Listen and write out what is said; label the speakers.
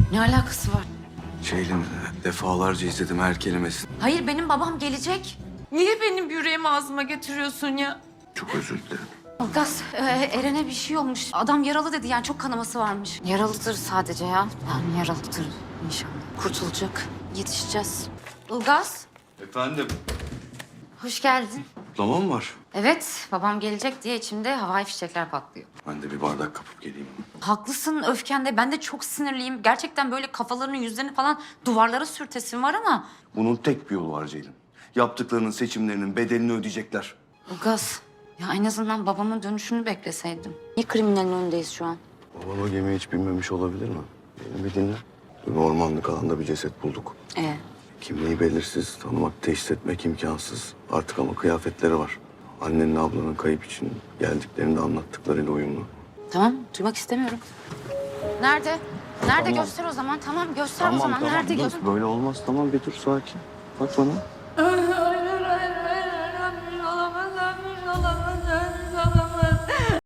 Speaker 1: Ne alakası var?
Speaker 2: Ceylin, defalarca izledim her kelimesini.
Speaker 1: Hayır, benim babam gelecek.
Speaker 3: Niye benim yüreğimi ağzıma getiriyorsun ya?
Speaker 2: Çok özür dilerim.
Speaker 1: Ilgaz, Eren'e bir şey olmuş. Adam yaralı dedi, yani çok kanaması varmış. Yaralıdır sadece ya. Yani yaralıdır inşallah. Kurtulacak. Yetişeceğiz. Ilgaz,
Speaker 2: Efendim?
Speaker 1: hoş geldin.
Speaker 2: Kutlama mı var?
Speaker 1: Evet, babam gelecek diye içimde havai fişekler patlıyor.
Speaker 2: Ben de bir bardak kapıp geleyim.
Speaker 1: Haklısın öfkende. Ben de çok sinirliyim. Gerçekten böyle kafalarını, yüzlerini falan duvarlara sürtesim var ama...
Speaker 2: Bunun tek bir yolu var Ceylin. Yaptıklarının, seçimlerinin bedelini ödeyecekler.
Speaker 1: Ilgaz, ya en azından babamın dönüşünü bekleseydim. Niye kriminalin önündeyiz şu an?
Speaker 2: Baban o gemiye hiç binmemiş olabilir mi? Beni bir dinle. Bir ormanlık alanda bir ceset bulduk. Kimliği belirsiz, tanımak, teşhis etmek imkansız. Artık ama kıyafetleri var. Annenle ablanın kayıp için geldiklerini de anlattıklarıyla uyumlu.
Speaker 1: Tamam, duymak istemiyorum. Nerede? Nerede?
Speaker 2: Tamam.
Speaker 1: Göster o zaman. Tamam, göster o zaman. Nerede?
Speaker 2: dur. Böyle olmaz. Tamam bir dur sakin. Bak bana.